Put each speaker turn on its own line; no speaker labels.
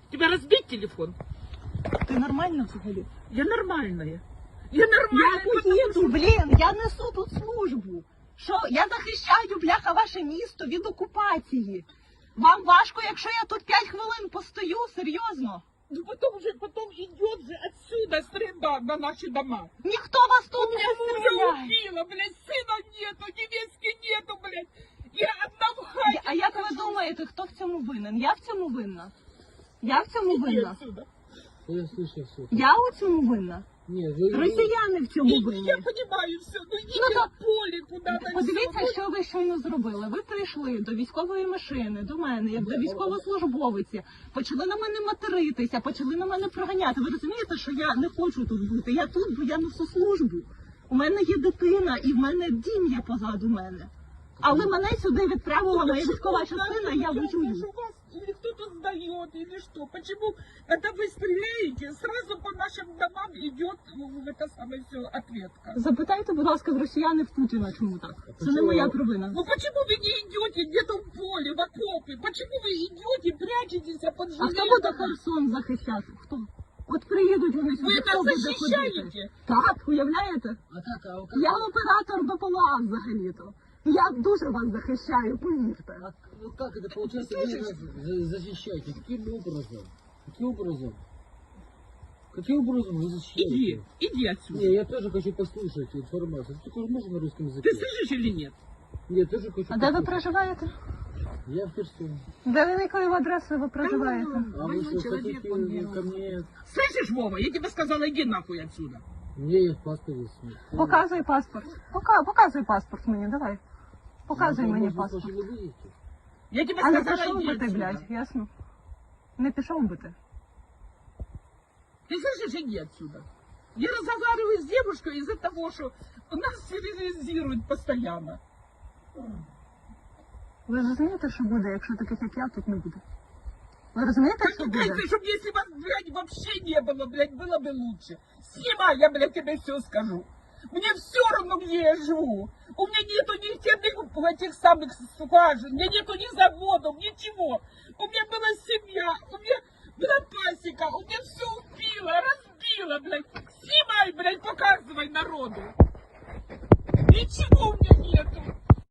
Тебя разбить телефон?
Ти нормально взагалі?
Я нормальная. Я нормальная.
Я поїду, блін, я несу тут службу. Що, я захищаю, бляха, ваше місто від окупації. Вам важко, якщо я тут 5 хвилин постою, серйозно?
Ну потом идет же отсюда стрельба на наши дома.
Ніхто вас тут не
Мужа
стріляє.
убила, блядь, сына нету, невестки нету, блядь. Я одна в хате.
А як ви думаєте, хто в цьому винен? Я в цьому винна? Я в цьому
Иди
винна?
отсюда.
Я слышал все.
Я у цьому винна?
Нет, вы...
Росіяни в цьому
Я
винні.
понимаю все, ну идите
Ну, то-
в поле куда-то.
Подивіться,
всё.
що ви щойно зробили. Ви прийшли до військової машини, до мене, як до військовослужбовиці, почали на мене материтися, почали на мене проганяти. Ви розумієте, що я не хочу тут бути? Я тут, бо я несу службу. У мене є дитина і в мене дім є позаду мене. Але мене сюди відправила моя військова частина, я воюю.
Что вас или кто-то сдает, или что? Почему, когда вы стреляете, сразу по нашим домам идет это самое все ответка?
Запитайте, будь ласка, з росіяни в Путіна, чому так? Це не
чому?
моя провина.
Ну почему вы не идете где-то в поле, в окопе? Почему вы идете, прячетесь под
А хто буде
железом?
Херсон захищати? Хто? От приїдуть вони
Вы
сюди,
это
хто буде ходити?
защищаете?
Так, уявляєте?
А как,
Я оператор БПЛА взагалі-то. Я дуже вас захищаю, повірте.
ну как это получается, вы нас защищаете? Каким образом? Каким образом? Каким образом вы защищаете?
Иди отсюда.
Не, я тоже хочу послушать информацию. Ты тоже можно на русском языке?
Ты слышишь или нет?
Я тоже хочу
А де ви
послушать.
проживаєте?
Я в Херсоне.
Де якою адресою ви проживаєте?
А вы что, хотите ко мне?
Слышишь, Вова, я тебе сказала, иди нахуй отсюда.
У меня есть паспорт. есть.
Показуй паспорт. Показуй паспорт мені, давай. Показуй
Ну,
мені
может,
паспорт.
вы выйдете?
Я тебе
А не
сказала,
пішов
иди
би ти,
отсюда.
блядь, ясно? Не пішов би ти.
Ты слышишь, иди отсюда. Я разговариваю с девушкой из-за того, что нас терроризируют постоянно.
Ви розумієте, що буде, якщо таких, як я, тут не буде? Ви розумієте, що буде?
Чтобы если вас, блядь, вообще не было, блядь, было бы лучше. Снимай, я, блядь, тебе все скажу. Мне все равно, где я живу. У меня нету ни этих самых скважин, у меня нету ни заводов, ничего. У меня была семья, у меня была пасека, у меня все убило, разбило, блядь. Снимай, блядь, показывай народу. Ничего у меня нету.